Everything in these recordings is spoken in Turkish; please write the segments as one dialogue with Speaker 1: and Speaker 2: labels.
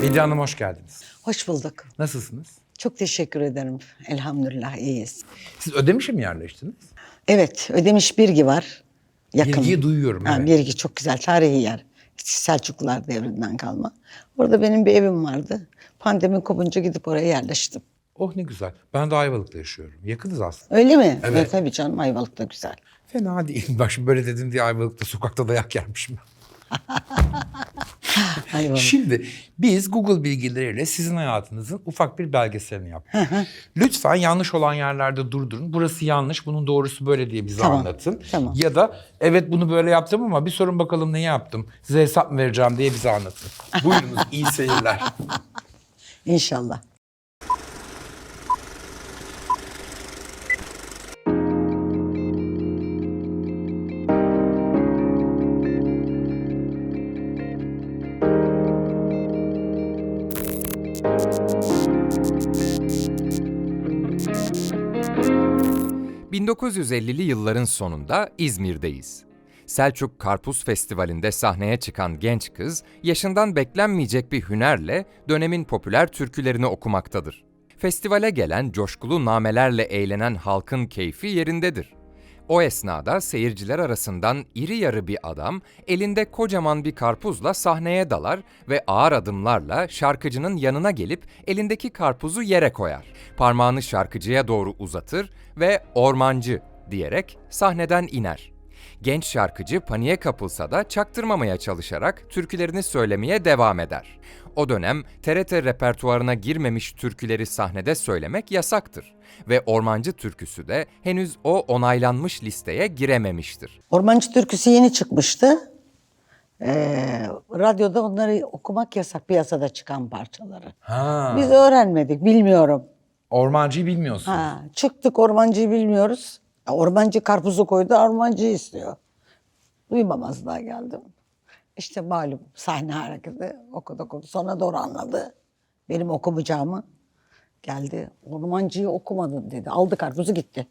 Speaker 1: Bediye Hanım hoş geldiniz.
Speaker 2: Hoş bulduk.
Speaker 1: Nasılsınız?
Speaker 2: Çok teşekkür ederim. Elhamdülillah iyiyiz.
Speaker 1: Siz Ödemiş'e mi yerleştiniz?
Speaker 2: Evet, Ödemiş Birgi var. Yakın.
Speaker 1: Birgi'yi duyuyorum, evet.
Speaker 2: Birgi çok güzel, tarihi yer. Selçuklular devrinden kalma. Orada benim bir evim vardı. Pandemi kopunca gidip oraya yerleştim.
Speaker 1: Oh ne güzel. Ben de Ayvalık'ta yaşıyorum. Yakınız aslında.
Speaker 2: Öyle mi?
Speaker 1: Evet.
Speaker 2: Tabii canım, Ayvalık da güzel.
Speaker 1: Fena değil. Bak şimdi böyle dedin diye Ayvalık'ta sokakta dayak yermişim.
Speaker 2: Ayvalık.
Speaker 1: Şimdi biz Google bilgileriyle sizin hayatınızın ufak bir belgeselini yaptık. Lütfen yanlış olan yerlerde durdurun. Burası yanlış, bunun doğrusu böyle diye bize
Speaker 2: Tamam,
Speaker 1: anlatın.
Speaker 2: tamam.
Speaker 1: Ya da evet bunu böyle yaptım ama bir sorun bakalım neyi yaptım. Size hesap mı vereceğim diye bize anlatın. Buyurunuz, iyi seyirler.
Speaker 2: İnşallah.
Speaker 3: ...1950'li yılların sonunda İzmir'deyiz. Selçuk Karpuz Festivali'nde sahneye çıkan genç kız, yaşından beklenmeyecek bir hünerle dönemin popüler türkülerini okumaktadır. Festivale gelen coşkulu namelerle eğlenen halkın keyfi yerindedir. O esnada seyirciler arasından iri yarı bir adam elinde kocaman bir karpuzla sahneye dalar ve ağır adımlarla şarkıcının yanına gelip elindeki karpuzu yere koyar. Parmağını şarkıcıya doğru uzatır ve "Ormancı" diyerek sahneden iner. Genç şarkıcı paniğe kapılsa da çaktırmamaya çalışarak türkülerini söylemeye devam eder. O dönem TRT repertuarına girmemiş türküleri sahnede söylemek yasaktır ve Ormancı türküsü de henüz o onaylanmış listeye girememiştir.
Speaker 2: Ormancı türküsü yeni çıkmıştı. Radyoda onları okumak yasak, piyasada çıkan parçaları.
Speaker 1: Ha.
Speaker 2: Biz öğrenmedik, bilmiyorum.
Speaker 1: Ormancıyı bilmiyorsunuz.
Speaker 2: Çıktık, ormancıyı bilmiyoruz. Ormancı karpuzu koydu, ormancıyı istiyor. Duymamazlığa geldim. İşte malum sahne hareketi okudu. Sonra doğru anladı benim okumayacağımı. Geldi, ormancıyı okumadın dedi. Aldı karpuzu gitti.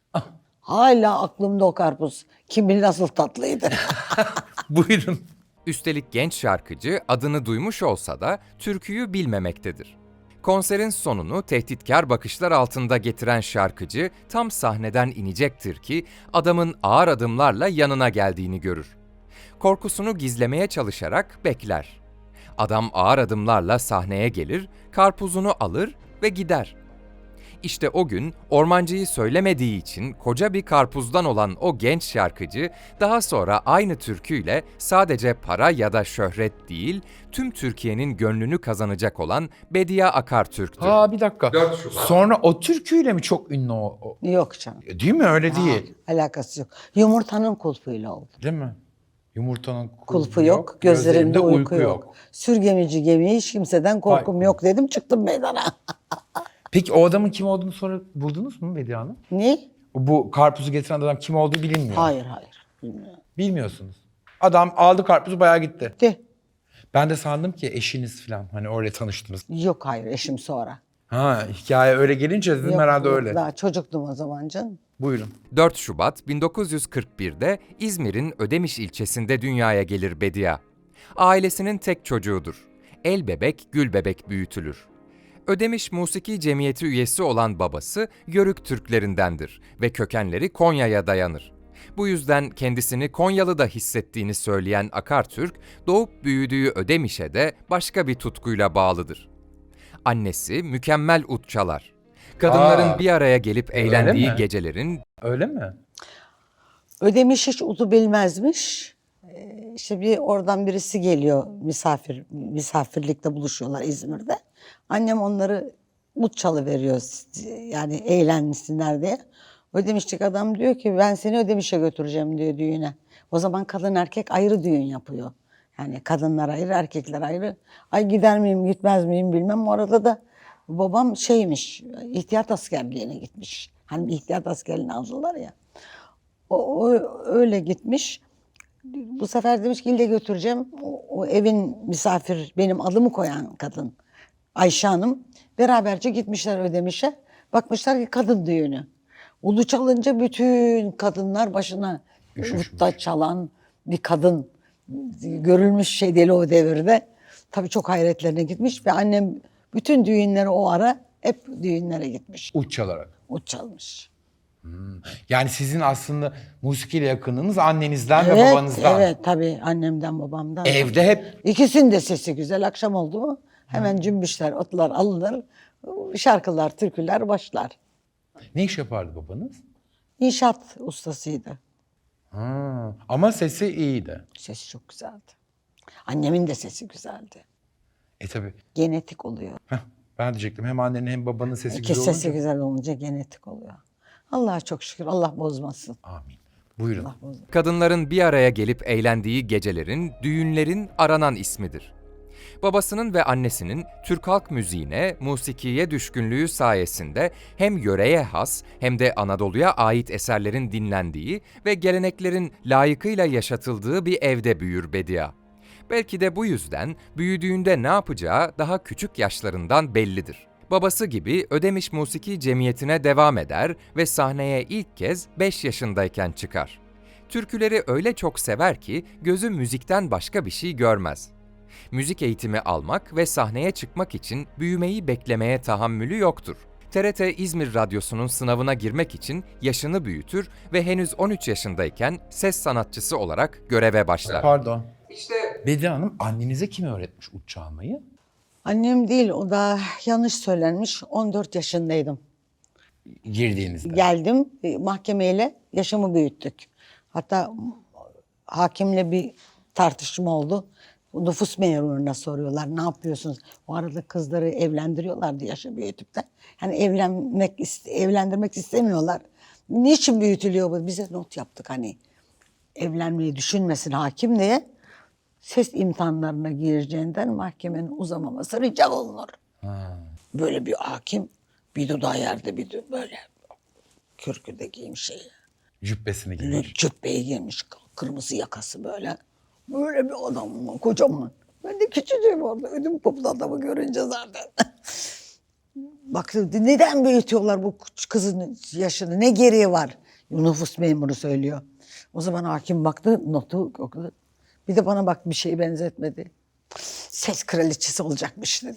Speaker 2: Hala aklımda o karpuz. Kim bilir nasıl tatlıydı.
Speaker 1: Buyurun.
Speaker 3: Üstelik genç şarkıcı adını duymuş olsa da türküyü bilmemektedir. Konserin sonunu tehditkar bakışlar altında getiren şarkıcı tam sahneden inecektir ki adamın ağır adımlarla yanına geldiğini görür. Korkusunu gizlemeye çalışarak bekler. Adam ağır adımlarla sahneye gelir, karpuzunu alır ve gider. İşte o gün ormancıyı söylemediği için koca bir karpuzdan olan o genç şarkıcı daha sonra aynı türküyle sadece para ya da şöhret değil, tüm Türkiye'nin gönlünü kazanacak olan Bediye Akartürk'tür.
Speaker 1: Bir dakika. Sonra o türküyle mi çok ünlü o?
Speaker 2: Yok canım.
Speaker 1: Değil mi? Öyle değil.
Speaker 2: Alakası yok. Yumurtanın kulpuyla oldu.
Speaker 1: Değil mi? Yumurtanın
Speaker 2: Kulpu yok, gözlerinde uyku yok. Sürgemici gemiye hiç kimseden korkum yok dedim, çıktım meydana.
Speaker 1: Peki o adamın kim olduğunu sonra buldunuz mu Bediye Hanım?
Speaker 2: Ne?
Speaker 1: Bu karpuzu getiren adam kim olduğu bilinmiyor.
Speaker 2: Hayır. Bilmiyorum.
Speaker 1: Bilmiyorsunuz. Adam aldı karpuzu bayağı gitti.
Speaker 2: De.
Speaker 1: Ben de sandım ki eşiniz falan. Hani öyle tanıştınız.
Speaker 2: Yok hayır, eşim sonra.
Speaker 1: Hikaye öyle gelince dedim
Speaker 2: Yok,
Speaker 1: herhalde
Speaker 2: yok,
Speaker 1: öyle.
Speaker 2: Daha çocuktum o zaman canım.
Speaker 1: Buyurun.
Speaker 3: 4 Şubat 1941'de İzmir'in Ödemiş ilçesinde dünyaya gelir Bediye. Ailesinin tek çocuğudur. El bebek, gül bebek büyütülür. Ödemiş Musiki Cemiyeti üyesi olan babası Yörük Türklerindendir ve kökenleri Konya'ya dayanır. Bu yüzden kendisini Konyalı da hissettiğini söyleyen Akartürk, doğup büyüdüğü Ödemiş'e de başka bir tutkuyla bağlıdır. Annesi mükemmel ut çalar. Kadınların bir araya gelip eğlendiği
Speaker 1: mi?
Speaker 3: gecelerin
Speaker 1: Öyle mi?
Speaker 2: Ödemiş hiç udu bilmezmiş. İşte bir oradan birisi geliyor, misafirlikte buluşuyorlar İzmir'de. Annem onları ut çalıveriyor, yani eğlensinler diye. Ödemişlik adam diyor ki ben seni Ödemiş'e götüreceğim diyor düğüne. O zaman kadın erkek ayrı düğün yapıyor. Yani kadınlar ayrı, erkekler ayrı. Ay gider miyim, gitmez miyim bilmem. Orada da babam ihtiyat askerliğine gitmiş. Hani ihtiyat askerliğine aldılar ya. O öyle gitmiş. Bu sefer demiş ki ille götüreceğim. O evin misafir, benim adımı koyan kadın Ayşe Hanım. Beraberce gitmişler Ödemiş'e. Bakmışlar ki kadın düğünü. Ulu çalınca bütün kadınlar başına utta çalan bir kadın görülmüş şey değil o devirde. Tabii çok hayretlerine gitmiş ve annem bütün düğünlere o ara hep düğünlere gitmiş.
Speaker 1: Uç çalarak.
Speaker 2: Ut çalmış.
Speaker 1: Yani sizin aslında musikiyle yakınlığınız annenizden ve
Speaker 2: Evet,
Speaker 1: babanızdan.
Speaker 2: evet tabii annemden babamdan.
Speaker 1: Evde hep
Speaker 2: İkisinin de sesi güzel. Akşam oldu mu hemen cümbüşler, otlar alınır. Şarkılar, türküler başlar.
Speaker 1: ne iş yapardı babanız?
Speaker 2: İnşaat ustasıydı.
Speaker 1: Ama sesi iyiydi.
Speaker 2: Sesi çok güzeldi. Annemin de sesi güzeldi.
Speaker 1: Tabii.
Speaker 2: Genetik oluyor.
Speaker 1: Ben diyecektim hem annenin hem babanın sesi
Speaker 2: İki
Speaker 1: güzel
Speaker 2: sesi
Speaker 1: olunca.
Speaker 2: güzel olunca genetik oluyor. Allah'a çok şükür. Allah bozmasın.
Speaker 1: Amin. Buyurun.
Speaker 2: Allah bozmasın.
Speaker 3: Kadınların bir araya gelip eğlendiği gecelerin, düğünlerin aranan ismidir. Babasının ve annesinin Türk halk müziğine, musikiye düşkünlüğü sayesinde hem yöreye has hem de Anadolu'ya ait eserlerin dinlendiği ve geleneklerin layıkıyla yaşatıldığı bir evde büyür Bediye. Belki de bu yüzden büyüdüğünde ne yapacağı daha küçük yaşlarından bellidir. Babası gibi Ödemiş Musiki Cemiyeti'ne devam eder ve sahneye ilk kez 5 yaşındayken çıkar. Türküleri öyle çok sever ki gözü müzikten başka bir şey görmez. Müzik eğitimi almak ve sahneye çıkmak için büyümeyi beklemeye tahammülü yoktur. TRT İzmir Radyosu'nun sınavına girmek için yaşını büyütür ve henüz 13 yaşındayken ses sanatçısı olarak göreve başlar.
Speaker 1: Pardon. Bediye Hanım annenize kim öğretmiş uç çalmayı?
Speaker 2: Annem değil, o da yanlış söylenmiş. 14 yaşındaydım.
Speaker 1: Girdiğinizde.
Speaker 2: Geldim mahkemeyle yaşımı büyüttük. Hatta hakimle bir tartışma oldu. Nüfus memuruna soruyorlar ne yapıyorsunuz? O arada kızları evlendiriyorlardı yaşı büyütüp de. Yani evlendirmek istemiyorlar. Niçin büyütülüyor bu? Bize not yaptık hani evlenmeyi düşünmesin hakim diye. Ses imtihanlarına gireceğinden mahkemenin uzamaması rica olunur. Böyle bir hakim bir dudağı yerde bir böyle kürküde giymiş şeyi.
Speaker 1: Cübbesini giymiş.
Speaker 2: Cübbeyi giymiş kırmızı yakası böyle. Böyle bir adam kocaman. Ben de küçücüğüm orada ödüm koptu adamı görünce zaten. Bak neden büyütüyorlar bu kızın yaşını ne gereği var? Nüfus memuru söylüyor. O zaman hakim baktı notu okudu. Bir de bana bak bir şeye benzetmedi. Ses kraliçesi olacakmış dedi.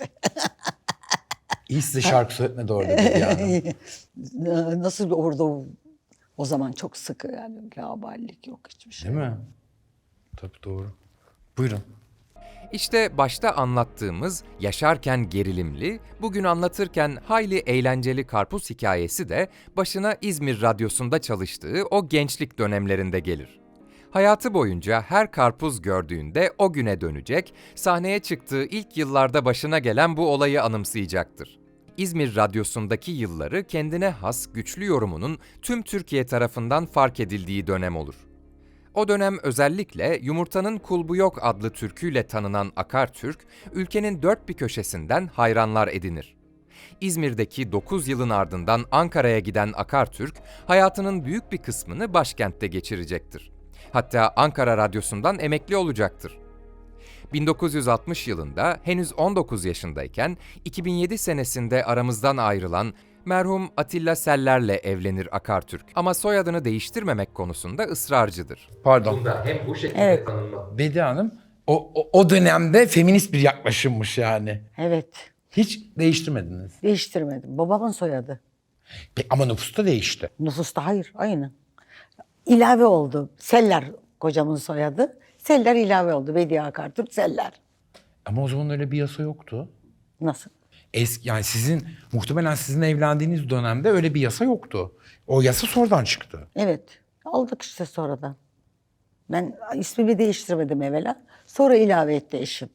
Speaker 1: İyi size şarkı söyletmedi orada Bediye Hanım.
Speaker 2: Nasıl orada o zaman çok sıkı yani laubalilik yok hiçbir şey.
Speaker 1: Değil mi? Tabii doğru. Buyurun.
Speaker 3: İşte başta anlattığımız yaşarken gerilimli, bugün anlatırken hayli eğlenceli karpuz hikayesi de başına İzmir Radyosu'nda çalıştığı o gençlik dönemlerinde gelir. Hayatı boyunca her karpuz gördüğünde o güne dönecek, sahneye çıktığı ilk yıllarda başına gelen bu olayı anımsayacaktır. İzmir Radyosu'ndaki yılları kendine has güçlü yorumunun tüm Türkiye tarafından fark edildiği dönem olur. O dönem özellikle Yumurtanın Kulbu Yok adlı türküyle tanınan Akartürk, ülkenin dört bir köşesinden hayranlar edinir. İzmir'deki 9 yılın ardından Ankara'ya giden Akartürk, hayatının büyük bir kısmını başkentte geçirecektir. Hatta Ankara Radyosu'ndan emekli olacaktır. 1960 yılında henüz 19 yaşındayken 2007 senesinde aramızdan ayrılan merhum Atilla Seller'le evlenir Akartürk. Ama soyadını değiştirmemek konusunda ısrarcıdır.
Speaker 1: Pardon.
Speaker 3: Hem bu şekilde
Speaker 2: Evet.
Speaker 1: Bediye Hanım o dönemde feminist bir yaklaşımmış yani.
Speaker 2: Evet
Speaker 1: Hiç değiştirmediniz.
Speaker 2: değiştirmedim. Babamın soyadı.
Speaker 1: Ama nüfusta değişti.
Speaker 2: Nüfusta hayır aynı. İlave oldu. Seller kocamın soyadı. Seller ilave oldu. Bediye Akartürk Seller.
Speaker 1: Ama o zaman öyle bir yasa yoktu.
Speaker 2: Nasıl?
Speaker 1: Yani muhtemelen sizin evlendiğiniz dönemde öyle bir yasa yoktu. O yasa sonradan çıktı.
Speaker 2: Evet. Aldık işte sonradan. Ben ismimi değiştirmedim evvela. Sonra ilave etti eşim.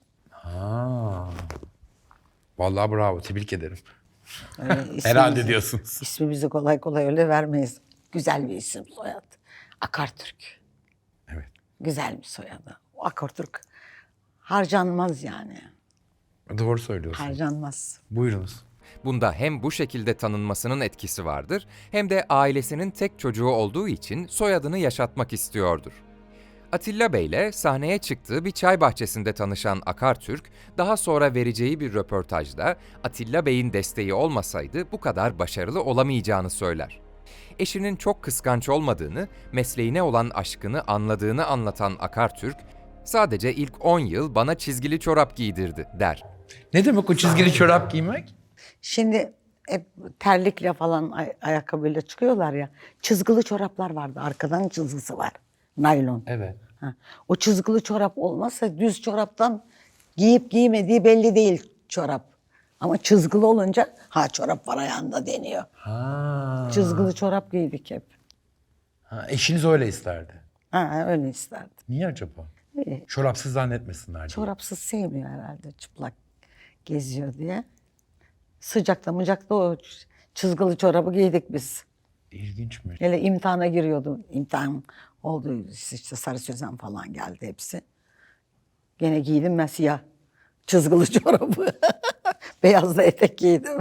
Speaker 1: Vallahi bravo, tebrik ederim.
Speaker 2: İsmimizi-
Speaker 1: Herhalde diyorsunuz.
Speaker 2: İsmimizi kolay kolay öyle vermeyiz. Güzel bir isim soyad. Akartürk.
Speaker 1: Evet.
Speaker 2: Güzel bir soyadı. O Akartürk harcanmaz yani.
Speaker 1: Doğru söylüyorsunuz.
Speaker 2: Harcanmaz.
Speaker 1: Buyurunuz.
Speaker 3: Bunda hem bu şekilde tanınmasının etkisi vardır, hem de ailesinin tek çocuğu olduğu için soyadını yaşatmak istiyordur. Atilla Bey'le sahneye çıktığı bir çay bahçesinde tanışan Akartürk, daha sonra vereceği bir röportajda Atilla Bey'in desteği olmasaydı bu kadar başarılı olamayacağını söyler. Eşinin çok kıskanç olmadığını, mesleğine olan aşkını anladığını anlatan Akartürk, Sadece ilk 10 yıl bana çizgili çorap giydirdi der.
Speaker 1: Ne demek o çizgili çorap giymek?
Speaker 2: Şimdi hep terlikle falan ayakkabıyla çıkıyorlar ya. Çizgili çoraplar vardı. Arkadan çizgisi var. Naylon.
Speaker 1: Evet.
Speaker 2: Ha. O çizgili çorap olmazsa düz çoraptan giyip giymediği belli değil çorap. Ama çizgili olunca çorap var ayağında deniyor.
Speaker 1: Ha.
Speaker 2: Çizgili çorap giydik hep.
Speaker 1: Eşiniz öyle isterdi.
Speaker 2: Öyle isterdim.
Speaker 1: Niye acaba?
Speaker 2: İyi.
Speaker 1: Çorapsız zannetmesinler diye.
Speaker 2: Çorapsız sevmiyor herhalde çıplak geziyor diye. Sıcakta mıcakta o çizgili çorabı giydik biz.
Speaker 1: İlginçmiş.
Speaker 2: Hele imtihana giriyordu. İmtihan oldu işte Sarı Sözen falan geldi hepsi. Gene giydim ben siyah çizgili çorabı. Beyaz da etek giydim.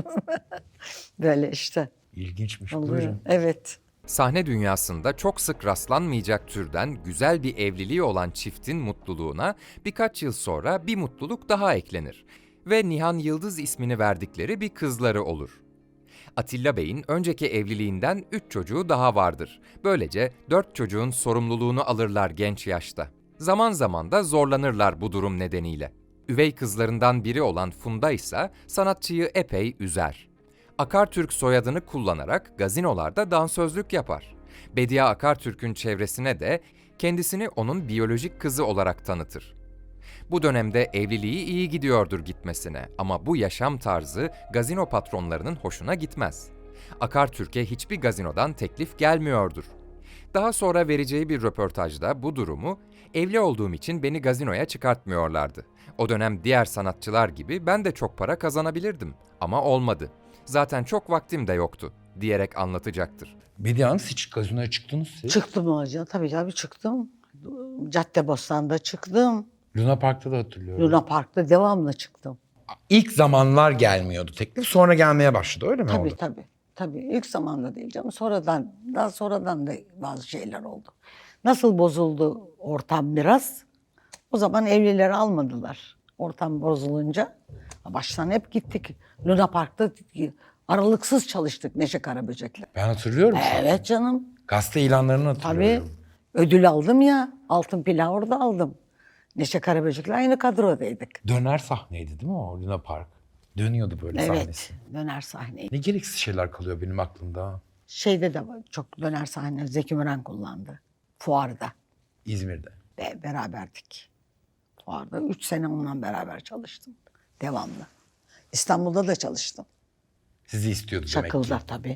Speaker 2: Böyle işte.
Speaker 1: İlginçmiş.
Speaker 2: Oluyor.
Speaker 1: Buyurun.
Speaker 2: Evet.
Speaker 3: Sahne dünyasında çok sık rastlanmayacak türden güzel bir evliliği olan çiftin mutluluğuna birkaç yıl sonra bir mutluluk daha eklenir ve Nihan Yıldız ismini verdikleri bir kızları olur. Atilla Bey'in önceki evliliğinden 3 çocuğu daha vardır. Böylece 4 çocuğun sorumluluğunu alırlar genç yaşta. Zaman zaman da zorlanırlar bu durum nedeniyle. Üvey kızlarından biri olan Funda ise sanatçıyı epey üzer. Akartürk soyadını kullanarak gazinolarda dansözlük yapar. Bediye Akartürk'ün çevresine de kendisini onun biyolojik kızı olarak tanıtır. Bu dönemde evliliği iyi gidiyordur gitmesine ama bu yaşam tarzı gazino patronlarının hoşuna gitmez. Akartürk'e hiçbir gazinodan teklif gelmiyordur. Daha sonra vereceği bir röportajda bu durumu, evli olduğum için beni gazinoya çıkartmıyorlardı. O dönem diğer sanatçılar gibi ben de çok para kazanabilirdim ama olmadı. Zaten çok vaktim de yoktu diyerek anlatacaktır.
Speaker 1: Bediye Hanım, hiç gazinoya çıktınız siz?
Speaker 2: Çıktım hocam. Tabii çıktım. Caddebostan'da çıktım.
Speaker 1: Luna Park'ta da hatırlıyorum.
Speaker 2: Luna Park'ta devamlı çıktım.
Speaker 1: İlk zamanlar gelmiyordu teklif, sonra gelmeye başladı, öyle mi oldu?
Speaker 2: Tabii. İlk zamanda değil canım. Daha sonradan da bazı şeyler oldu. Nasıl bozuldu ortam biraz? O zaman evlileri almadılar. Ortam bozulunca baştan hep gittik. Luna Park'ta aralıksız çalıştık Neşe Karaböcek'le.
Speaker 1: Ben hatırlıyorum.
Speaker 2: Evet canım.
Speaker 1: Gazete ilanlarını
Speaker 2: Tabii.
Speaker 1: hatırlıyorum.
Speaker 2: Ödül aldım ya. Altın plağı orada aldım. Neşe Karaböcek'le aynı kadrodaydık.
Speaker 1: Döner sahneydi değil mi o Luna Park? Dönüyordu böyle
Speaker 2: Evet.
Speaker 1: sahnesi.
Speaker 2: Döner sahneyi.
Speaker 1: Ne gereksiz şeyler kalıyor benim aklımda.
Speaker 2: Şeyde de çok döner sahne Zeki Müren kullandı. Fuarda.
Speaker 1: İzmir'de.
Speaker 2: Beraberdik. Fuarda 3 sene onunla beraber çalıştım. Devamlı. İstanbul'da da çalıştım.
Speaker 1: Sizi istiyordu demek ki.
Speaker 2: Çakıl'da tabii.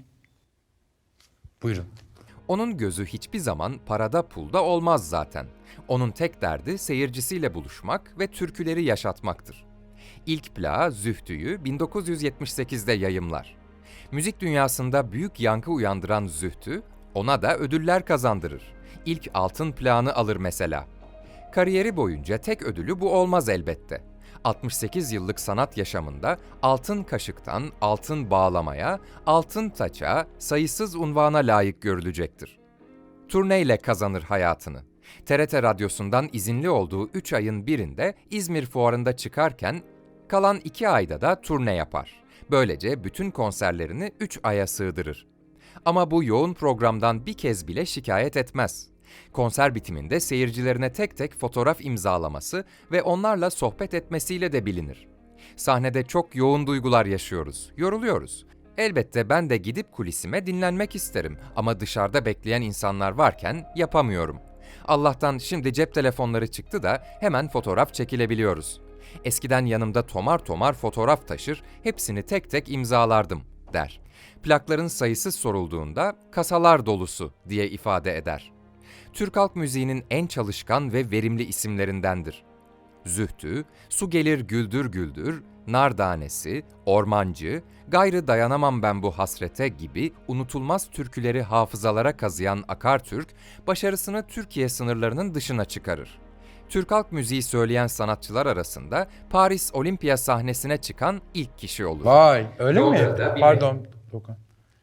Speaker 1: Buyurun.
Speaker 3: Onun gözü hiçbir zaman parada pulda olmaz zaten. Onun tek derdi seyircisiyle buluşmak ve türküleri yaşatmaktır. İlk plağı Zühtü'yü 1978'de yayımlar. Müzik dünyasında büyük yankı uyandıran Zühtü, ona da ödüller kazandırır. İlk altın plağını alır mesela. Kariyeri boyunca tek ödülü bu olmaz elbette. 68 yıllık sanat yaşamında altın kaşıktan altın bağlamaya, altın taça, sayısız unvana layık görülecektir. Turneyle kazanır hayatını. TRT Radyosu'ndan izinli olduğu 3 ayın birinde İzmir Fuarı'nda çıkarken kalan 2 ayda da turne yapar. Böylece bütün konserlerini 3 aya sığdırır. Ama bu yoğun programdan bir kez bile şikayet etmez. Konser bitiminde seyircilerine tek tek fotoğraf imzalaması ve onlarla sohbet etmesiyle de bilinir. Sahnede çok yoğun duygular yaşıyoruz, yoruluyoruz. Elbette ben de gidip kulisime dinlenmek isterim ama dışarıda bekleyen insanlar varken yapamıyorum. Allah'tan şimdi cep telefonları çıktı da hemen fotoğraf çekilebiliyoruz. Eskiden yanımda tomar tomar fotoğraf taşır, hepsini tek tek imzalardım, der. Plakların sayısı sorulduğunda kasalar dolusu diye ifade eder. Türk halk müziğinin en çalışkan ve verimli isimlerindendir. Zühtü, Su Gelir Güldür Güldür, Nardanesi, Ormancı, Gayrı Dayanamam Ben Bu Hasrete gibi unutulmaz türküleri hafızalara kazıyan Akartürk, başarısını Türkiye sınırlarının dışına çıkarır. Türk halk müziği söyleyen sanatçılar arasında Paris Olimpiya sahnesine çıkan ilk kişi olur.
Speaker 1: Vay, öyle mi?
Speaker 3: Londra'da bir-
Speaker 1: Pardon. Dokan.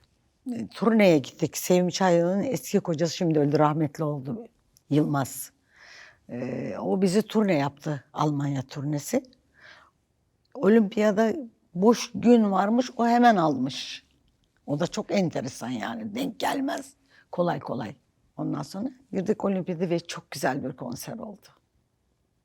Speaker 2: Turneye gittik. Sevim Çaylı'nın eski kocası şimdi öldü, rahmetli oldu. Yılmaz. O bizi turne yaptı. Almanya turnesi. Olimpiyada boş gün varmış. O hemen almış. O da çok enteresan yani. Denk gelmez. Kolay kolay. Ondan sonra girdik olimpiyada ve çok güzel bir konser oldu.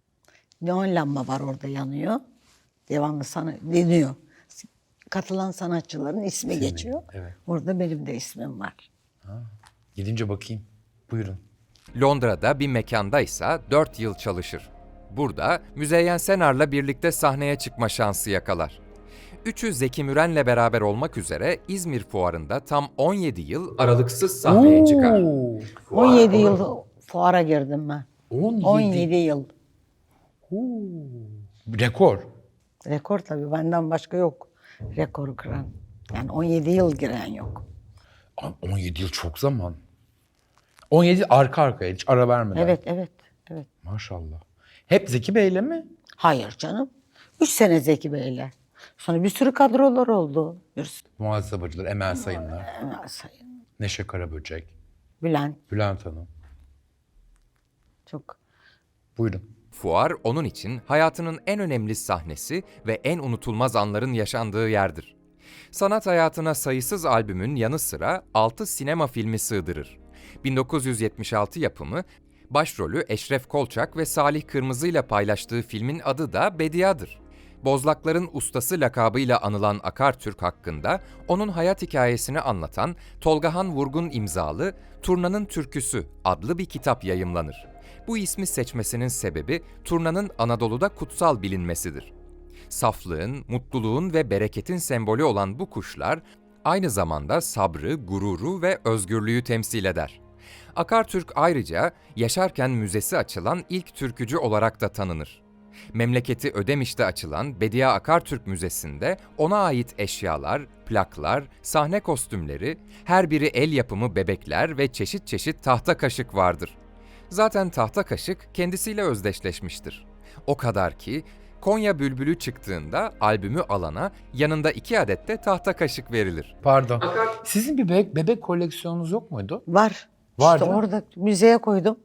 Speaker 2: Neon lamba var orada yanıyor. Devamlı sana deniyor. Katılan sanatçıların ismi geçiyor.
Speaker 1: evet.
Speaker 2: Orada benim de ismim var.
Speaker 1: Gidince bakayım. Buyurun.
Speaker 3: Londra'da bir mekandaysa 4 yıl çalışır. Burada Müzeyyen Senar'la birlikte sahneye çıkma şansı yakalar. Üçü Zeki Müren'le beraber olmak üzere İzmir Fuarı'nda tam 17 yıl aralıksız sahneye çıkar.
Speaker 2: 17 yıl fuara girdim ben.
Speaker 1: 17
Speaker 2: yıl.
Speaker 1: Rekor.
Speaker 2: Rekor tabii, benden başka yok rekoru kıran. Yani 17 yıl giren yok.
Speaker 1: 17 yıl çok zaman. 17 arka arkaya hiç ara vermeden.
Speaker 2: Evet.
Speaker 1: Maşallah. Hep Zeki Bey'le mi?
Speaker 2: Hayır canım. 3 sene Zeki Bey'le. Sonra bir sürü kadrolar oldu. Bir sürü.
Speaker 1: Muhasebeciler, Emel Sayınlar,
Speaker 2: Sayın
Speaker 1: Neşe Karaböcek,
Speaker 2: Bülent
Speaker 1: Bülent Hanım.
Speaker 2: çok.
Speaker 1: Buyurun.
Speaker 3: Fuar onun için hayatının en önemli sahnesi ve en unutulmaz anların yaşandığı yerdir. Sanat hayatına sayısız albümün yanı sıra 6 sinema filmi sığdırır. 1976 yapımı, başrolü Eşref Kolçak ve Salih Kırmızı ile paylaştığı filmin adı da Bedia'dır. Bozlakların ustası lakabıyla anılan Akartürk hakkında onun hayat hikayesini anlatan Tolgahan Vurgun imzalı Turnanın Türküsü adlı bir kitap yayımlanır. Bu ismi seçmesinin sebebi Turnanın Anadolu'da kutsal bilinmesidir. Saflığın, mutluluğun ve bereketin sembolü olan bu kuşlar aynı zamanda sabrı, gururu ve özgürlüğü temsil eder. Akartürk ayrıca yaşarken müzesi açılan ilk türkücü olarak da tanınır. Memleketi Ödemiş'te açılan Bediye Akartürk Müzesi'nde ona ait eşyalar, plaklar, sahne kostümleri, her biri el yapımı bebekler ve çeşit çeşit tahta kaşık vardır. Zaten tahta kaşık kendisiyle özdeşleşmiştir. O kadar ki Konya Bülbülü çıktığında albümü alana yanında 2 adet de tahta kaşık verilir.
Speaker 1: Pardon. Sizin bir bebek koleksiyonunuz yok muydu?
Speaker 2: Var.
Speaker 1: Var
Speaker 2: İşte
Speaker 1: değil mi?
Speaker 2: orada müzeye koydum.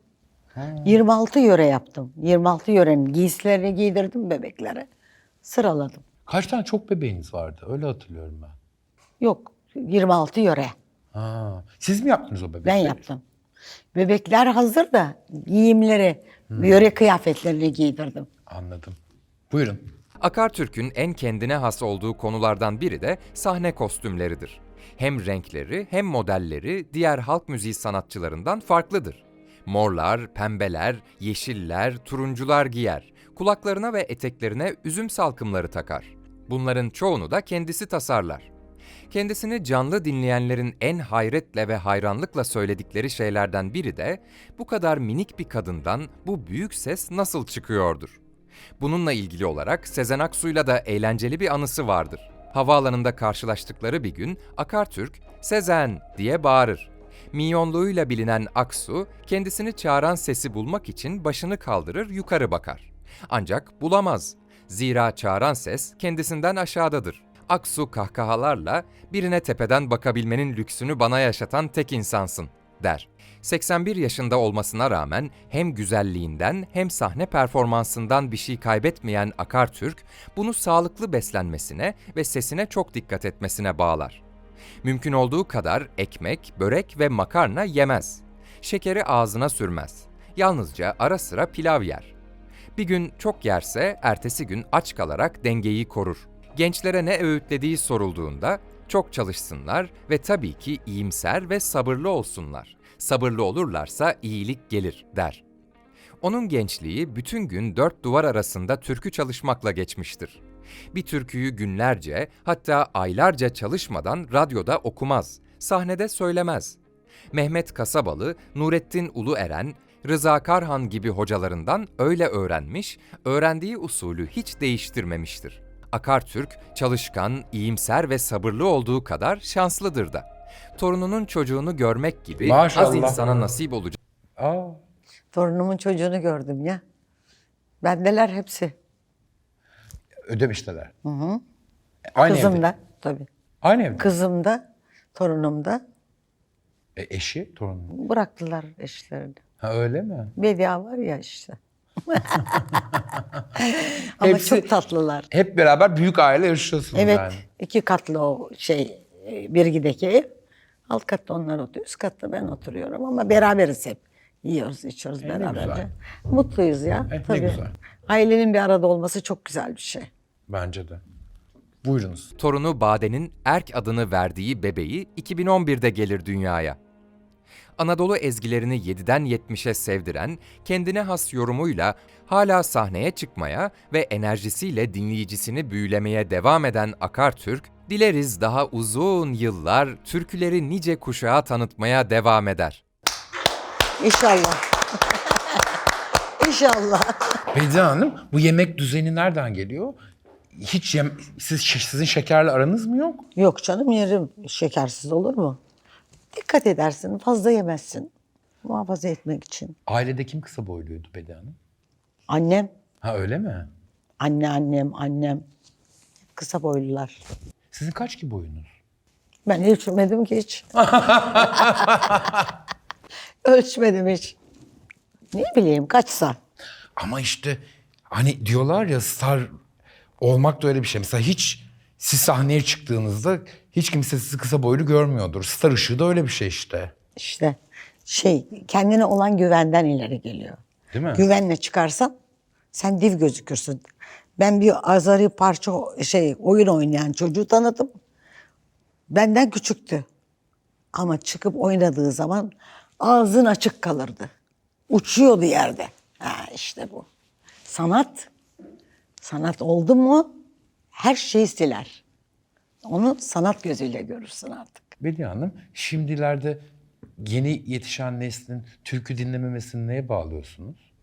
Speaker 2: 26 yöre yaptım. 26 yörenin giysilerini giydirdim bebeklere. Sıraladım.
Speaker 1: Kaç tane çok bebeğiniz vardı? Öyle hatırlıyorum ben.
Speaker 2: Yok, 26 yöre.
Speaker 1: Ha. Siz mi yaptınız o bebekleri?
Speaker 2: Ben yaptım. Bebekler hazır da giyimleri, yöre kıyafetlerini giydirdim.
Speaker 1: Anladım. Buyurun.
Speaker 3: Akartürk'ün en kendine has olduğu konulardan biri de sahne kostümleridir. Hem renkleri hem modelleri diğer halk müziği sanatçılarından farklıdır. Morlar, pembeler, yeşiller, turuncular giyer. Kulaklarına ve eteklerine üzüm salkımları takar. Bunların çoğunu da kendisi tasarlar. Kendisini canlı dinleyenlerin en hayretle ve hayranlıkla söyledikleri şeylerden biri de bu kadar minik bir kadından bu büyük ses nasıl çıkıyordur. Bununla ilgili olarak Sezen Aksu'yla da eğlenceli bir anısı vardır. Havaalanında karşılaştıkları bir gün Akartürk, "Sezen!" diye bağırır. Minyonluğuyla bilinen Aksu, kendisini çağıran sesi bulmak için başını kaldırır, yukarı bakar. Ancak bulamaz. Zira çağıran ses kendisinden aşağıdadır. Aksu kahkahalarla, "Birine tepeden bakabilmenin lüksünü bana yaşatan tek insansın," der. 81 yaşında olmasına rağmen hem güzelliğinden hem sahne performansından bir şey kaybetmeyen Akartürk, bunu sağlıklı beslenmesine ve sesine çok dikkat etmesine bağlar. Mümkün olduğu kadar ekmek, börek ve makarna yemez. Şekeri ağzına sürmez. Yalnızca ara sıra pilav yer. Bir gün çok yerse ertesi gün aç kalarak dengeyi korur. Gençlere ne öğütlediği sorulduğunda çok çalışsınlar ve tabii ki iyimser ve sabırlı olsunlar. Sabırlı olurlarsa iyilik gelir, der. Onun gençliği bütün gün 4 duvar arasında türkü çalışmakla geçmiştir. Bir türküyü günlerce, hatta aylarca çalışmadan radyoda okumaz, sahnede söylemez. Mehmet Kasabalı, Nurettin Ulueren, Rıza Karhan gibi hocalarından öyle öğrenmiş, öğrendiği usulü hiç değiştirmemiştir. Akartürk, çalışkan, iyimser ve sabırlı olduğu kadar şanslıdır da. Torununun çocuğunu görmek gibi
Speaker 1: Maşallah.
Speaker 3: az insana nasip olacak.
Speaker 1: Aa,
Speaker 2: Torunumun çocuğunu gördüm ya. Bendeler hepsi.
Speaker 1: Ödemiş'teler. Aynı
Speaker 2: Kızım
Speaker 1: evde.
Speaker 2: da tabii.
Speaker 1: Aynı evde.
Speaker 2: Kızım da, torunum da
Speaker 1: Eşi, torunu.
Speaker 2: bıraktılar eşlerini.
Speaker 1: Ha öyle mi?
Speaker 2: Bedia var ya işte. Ama
Speaker 1: Hepsi-
Speaker 2: çok tatlılar.
Speaker 1: Hep beraber büyük aile yaşıyorsunuz
Speaker 2: Evet,
Speaker 1: yani.
Speaker 2: 2 katlı o Birgi'deki ev. Alt katta onlar oturuyor, üst katta ben oturuyorum ama beraberiz hep. Yiyoruz, içiyoruz
Speaker 1: ne
Speaker 2: beraberce.
Speaker 1: güzel.
Speaker 2: Mutluyuz ya.
Speaker 1: Ne
Speaker 2: tabii.
Speaker 1: güzel.
Speaker 2: Ailenin bir arada olması çok güzel bir şey.
Speaker 1: Bence de. Buyurunuz.
Speaker 3: Torunu Bade'nin Erk adını verdiği bebeği 2011'de gelir dünyaya. Anadolu ezgilerini 7'den 70'e sevdiren, kendine has yorumuyla hala sahneye çıkmaya ve enerjisiyle dinleyicisini büyülemeye devam eden Akartürk, dileriz daha uzun yıllar türküleri nice kuşağa tanıtmaya devam eder.
Speaker 2: İnşallah. İnşallah.
Speaker 1: Bediye Hanım, bu yemek düzeni nereden geliyor? Hiç sizin şekerle aranız mı yok?
Speaker 2: Yok canım, yerim. Şekersiz olur mu? Dikkat edersin, fazla yemezsin. Muhafaza etmek için.
Speaker 1: Ailede kim kısa boyluydu Bediye Hanım?
Speaker 2: Annem,
Speaker 1: Ha öyle mi?
Speaker 2: annem. Kısa boylular.
Speaker 1: Sizin kaç ki boyunuz?
Speaker 2: Ben ölçmedim ki hiç. Ölçmedim hiç. Ne bileyim kaçsa.
Speaker 1: Ama işte hani diyorlar ya, star olmak da öyle bir şey. Mesela hiç siz sahneye çıktığınızda hiç kimse sizi kısa boylu görmüyordur. Star ışığı da öyle bir şey işte.
Speaker 2: İşte kendine olan güvenden ileri geliyor.
Speaker 1: Değil mi?
Speaker 2: Güvenle çıkarsan sen div gözükürsün. Ben bir azari parça oyun oynayan çocuğu tanıdım. Benden küçüktü. Ama çıkıp oynadığı zaman ağzın açık kalırdı. Uçuyordu yerde. Ha işte bu. Sanat oldu mu her şeyi siler. Onu sanat gözüyle görürsün artık.
Speaker 1: Bediye Hanım, şimdilerde yeni yetişen neslin türkü dinlememesini neye bağlıyorsunuz?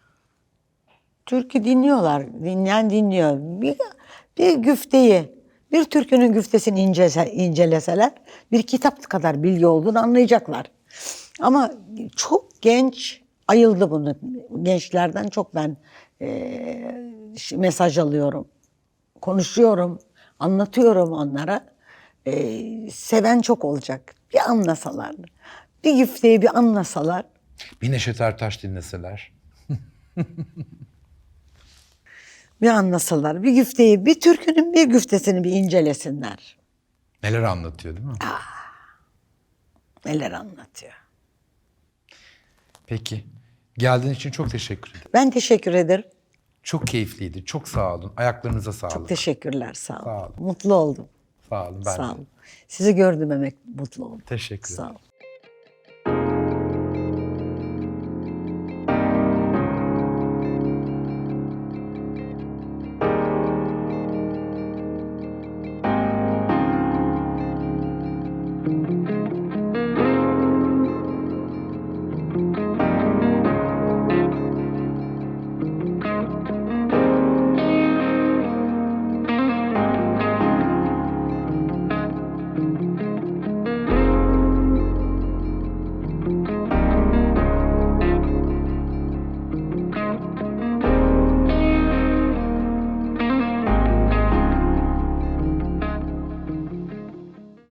Speaker 2: Türkü dinliyorlar. Dinleyen dinliyor. Bir güfteyi, bir türkünün güftesini inceleseler bir kitap kadar bilgi olduğunu anlayacaklar. Ama çok genç ayıldı bunu. Gençlerden çok ben mesaj alıyorum. Konuşuyorum, anlatıyorum onlara. Seven çok olacak. Bir anlasalar. Bir güfteyi bir anlasalar.
Speaker 1: Bir Neşet Ertaş dinleseler.
Speaker 2: Bir anlasalar, bir güfteyi, bir türkünün bir güftesini bir incelesinler.
Speaker 1: Neler anlatıyor değil mi?
Speaker 2: Neler anlatıyor.
Speaker 1: Peki. Geldiğin için çok teşekkür ederim.
Speaker 2: Ben teşekkür ederim.
Speaker 1: Çok keyifliydi. Çok sağ olun. Ayaklarınıza sağlık.
Speaker 2: Çok teşekkürler, sağ olun.
Speaker 1: Sağ olun.
Speaker 2: Mutlu oldum.
Speaker 1: Sağ olun. Ben
Speaker 2: Sağ
Speaker 1: de.
Speaker 2: olun. Sizi gördüm mutlu oldum.
Speaker 1: Teşekkür ederim.
Speaker 2: Sağ olun.